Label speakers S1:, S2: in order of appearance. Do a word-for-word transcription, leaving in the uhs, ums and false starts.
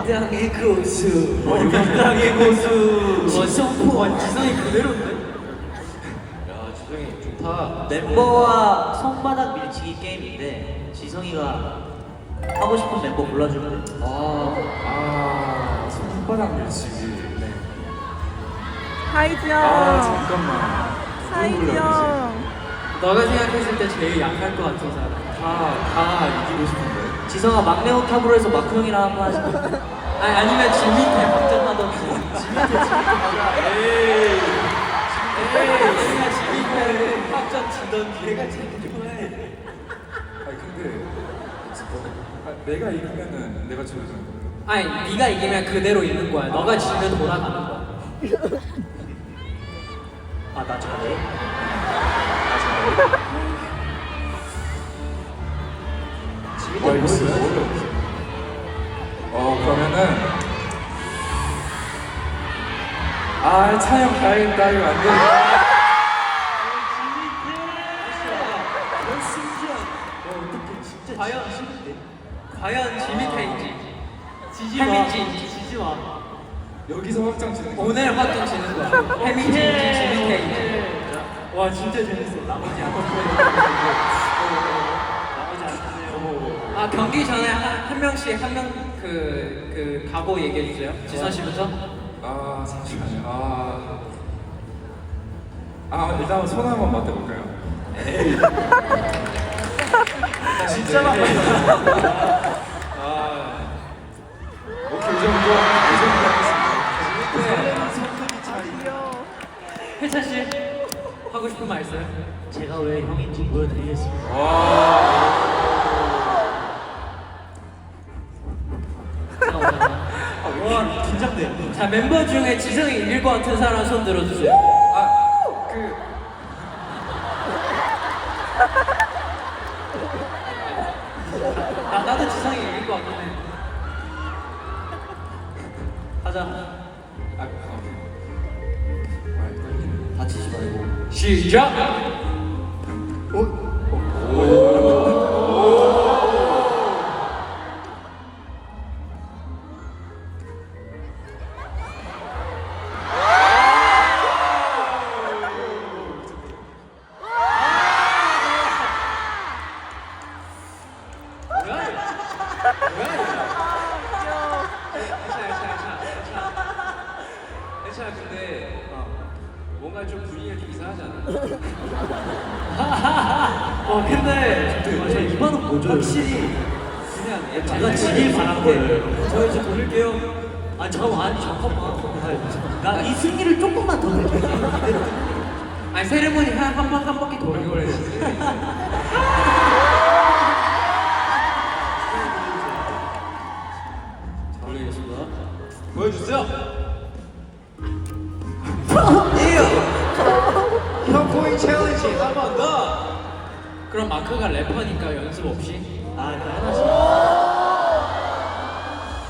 S1: 당의 고수.
S2: 당의 고수.
S1: 지성포.
S2: 와, 지성이 그대로인데? 야, 지성이 좋다.
S1: 멤버와 손바닥 밀치기 게임인데 지성이가 하고 싶은 멤버 골라주면 돼.
S2: 아,
S3: 아, 손바닥 밀치기. 네.
S4: 하이지 형.
S3: 아, 잠깐만.
S4: 하이지
S3: 누구 골라야
S4: 형.
S2: 너가 생각했을 때 제일 약할 것 같은 사람.
S3: 되지? 다, 다 이기고 싶은데.
S1: 지성아 막내 오탑으로 해서 마크 형이랑 한번 하자.
S2: 아니, 아니면 진 밑에 확정하던지.
S1: 진 밑에 진 밑에 가자.
S2: 에이. 에이. 내가 진 밑에 확정 지던지. 내가 제일 좋아해.
S3: 아니, 근데. 아, 내가 이기면은 내가 지는 거야.
S2: 아니, 네가 이기면 그대로 있는 거야. 너가 지면 돌아가는 거야.
S1: 아, 나 잘해?
S3: 와, 이거 진짜 어려워. 어, 그러면은. 아, 차영 가야겠다. 이거 안 돼.
S2: 과연 과연 지 밑에인지 지지 마. 햄인지 지지 마.
S3: 여기서 확정 지는 거야.
S2: 오늘 확정 지는 거야. 햄인지 지 밑에인지. 와, 진짜 재밌어. 나머지 안 나머지 안 하세요. 아, 경기 전에 한, 한 명씩 한 명 그 그 각오 얘기해 주세요. 지선 씨부터.
S3: 아, 잠시만요. 아. 아, 일단 손 한번 맞대볼까요? 에이. 진짜 맞다. 아. 오케이, 이 정도. 이 정도 하겠습니다.
S2: 혜찬 씨 하고 싶은 말 있어요?
S1: 제가 왜 형인지 보여드리겠습니다.
S3: 와.
S2: 와, 긴장돼. 자, 멤버 중에 지성이 이길 것 같은 사람 손 들어주세요.
S3: 아, 그.
S2: 나, 나도 지성이 이길 것 같긴 해. 가자.
S3: 아, 어. 아, 떨리네.
S1: 다치지 말고.
S2: 시작! 뭐야 이거? 뭐야 이거? 괜찮아, 괜찮아, 괜찮아. 괜찮아, 근데 어, 뭔가 좀 분위기가 좀 이상하지 않아? 어, 근데
S1: 아, 저 이번은 뭐죠?
S2: 확실히 그냥
S1: 제가 지길 바란 거예요.
S2: 저 이제 돌릴게요.
S1: 아니 잠깐만, 아니 잠깐만. 나 이 승리를 조금만 더 느껴.
S2: 아니, 세레모니 한 한 번 한 바퀴 돌리고 그랬지.
S1: 돌리겠습니다.
S2: 보여주세요. 형 코인 챌린지 한 번 더. 그럼 마크가 래퍼니까 연습 없이.
S1: 아, 그래 하나씩.